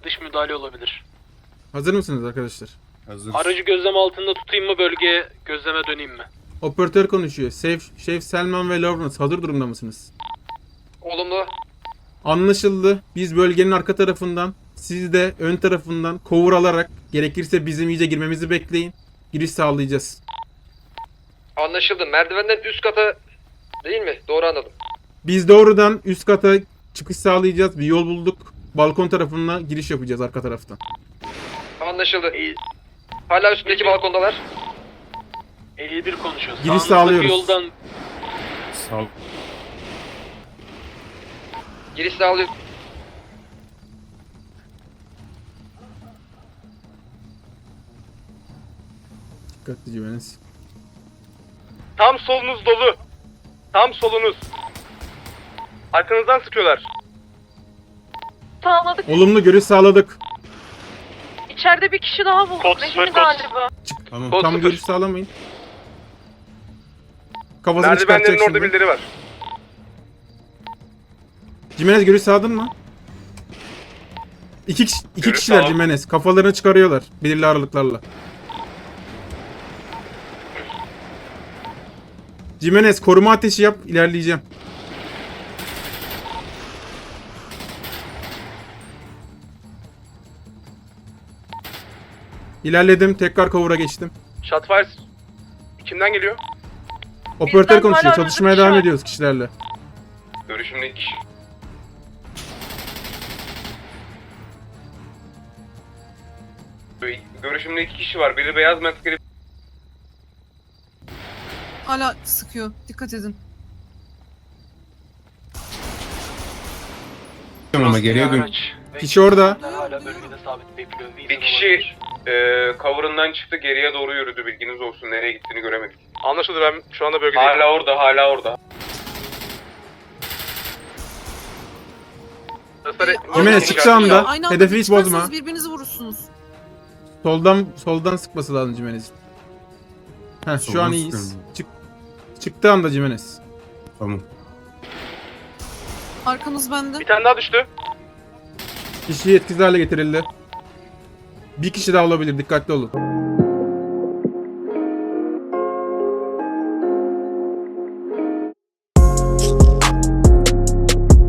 Dış müdahale olabilir. Hazır mısınız arkadaşlar? Hazırız. Aracı gözlem altında tutayım mı, bölgeye gözleme döneyim mi? Operatör konuşuyor. Şef Selman ve Lawrence hazır durumda mısınız? Olumlu. Anlaşıldı. Biz bölgenin arka tarafından, siz de ön tarafından cover alarak gerekirse bizim iyice girmemizi bekleyin. Giriş sağlayacağız. Anlaşıldı. Merdivenden üst kata değil mi? Doğru anladım. Biz doğrudan üst kata çıkış sağlayacağız. Bir yol bulduk. Balkon tarafına giriş yapacağız arka taraftan. Anlaşıldı. Hala üstündeki balkondalar. 51 konuşuyor. Giriş Sağınızdaki sağlıyoruz. Yoldan Sağ ol. Giriş sağlıyor. Dikkatli güveniz. Tam solunuz dolu. Tam solunuz. Arkanızdan sıkıyorlar. Sağladık. Olumlu görüş sağladık. İçeride bir kişi daha bulduk. Kod Rehin sıfır, kod. galiba. Tamam. Kod Tam sıfır. görüş sağlamayın. Kafasını Merdivenlerin çıkartacak orada şimdi. birileri var. Jimenez görüş sağladın mı? İki Görüş kişiler sağladım. Jimenez. Kafalarını çıkarıyorlar belirli aralıklarla. Jimenez koruma ateşi yap, ilerleyeceğim. İlerledim, tekrar cover'a geçtim. Shotfire kimden geliyor? Operatör Bizden konuşuyor, hala çalışmaya önümüzde devam kişi var. ediyoruz kişilerle. Görüşümde iki kişi. Görüşümde iki kişi var. Biri beyaz maskeli. Hala sıkıyor. Dikkat edin. Ama geriye dön. araç ve Kişi orada. hala bölgede sabit bekliyor. Bir kişi cover'ından çıktı, geriye doğru yürüdü. Bilginiz olsun. Nereye gittiğini göremedik. Anlaşıldı, ben şu anda bölgedeyim. Hala orada, hala orada. Jimenez çıktı anda. Aynı anda Hedefi hiç çıkarsanız bozma. birbirinizi vurursunuz. Soldan sıkması lazım Jimenez. Heh, şu Soldan an iyiyiz. sıkıyorum. Çıktı anda Jimenez. Tamam. Arkanız bende. Bir tane daha düştü. Kişi etkisiz hale getirildi. Bir kişi daha olabilir, dikkatli olun.